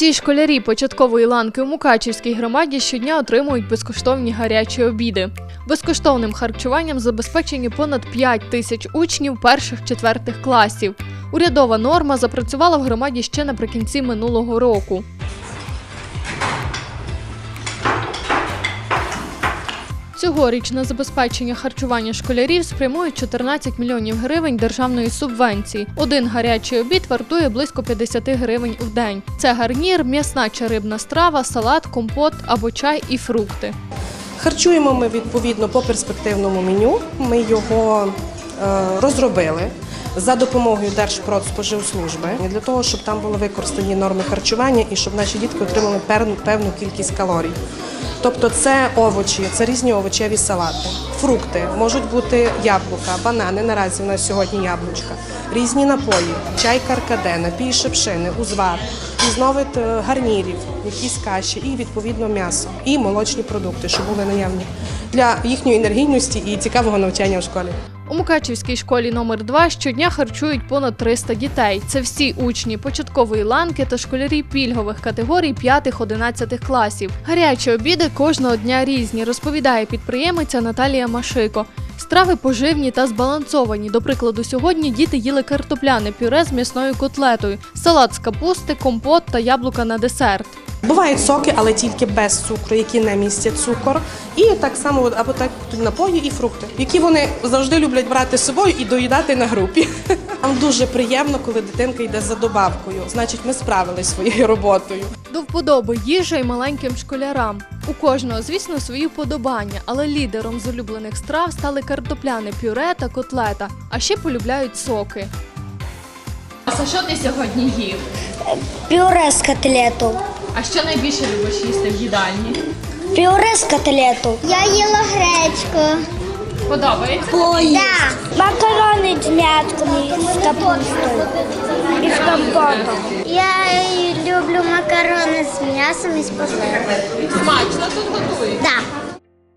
Усі школярі початкової ланки у Мукачівській громаді щодня отримують безкоштовні гарячі обіди. Безкоштовним харчуванням забезпечені понад 5 тисяч учнів перших-четвертих класів. Урядова норма запрацювала в громаді ще наприкінці минулого року. Цьогоріч на забезпечення харчування школярів спрямують 14 мільйонів гривень державної субвенції. Один гарячий обід вартує близько 50 гривень в день. Це гарнір, м'ясна чи рибна страва, салат, компот або чай і фрукти. Харчуємо ми відповідно по перспективному меню. Ми його розробили за допомогою Держпродспоживслужби для того, щоб там були використані норми харчування і щоб наші дітки отримали певну кількість калорій. Тобто це овочі, це різні овочеві салати, фрукти, можуть бути яблука, банани, наразі у нас сьогодні яблучка, різні напої, чай каркаде, напій шипшини, узвар, різновид гарнірів, якісь каші і відповідно м'ясо, і молочні продукти, що були наявні для їхньої енергійності і цікавого навчання в школі. У Мукачівській школі номер 2 щодня харчують понад 300 дітей. Це всі учні початкової ланки та школярі пільгових категорій 5-11 класів. Гарячі обіди кожного дня різні, розповідає підприємиця Наталія Машико. Страви поживні та збалансовані. До прикладу, сьогодні діти їли картопляне пюре з м'ясною котлетою, салат з капусти, компот та яблука на десерт. Бувають соки, але тільки без цукру, які не містять цукор. І так само або так напої і фрукти, які вони завжди люблять брати з собою і доїдати на групі. Нам дуже приємно, коли дитинка йде за добавкою. Значить, ми справилися своєю роботою. До вподоби їжа й маленьким школярам. У кожного, звісно, свої вподобання, але лідером з улюблених страв стали картопляне пюре та котлета, а ще полюбляють соки. А що ти сьогодні їв? Пюре з котлету. А що найбільше любиш їсти в їдальні? Пюре з котлету. Я їла гречку. Подобається? Да. Макарони з м'ятками, з капустою і з компотом. Я люблю макарони з м'ясом і з посилкою. Смачно тут готують? Да.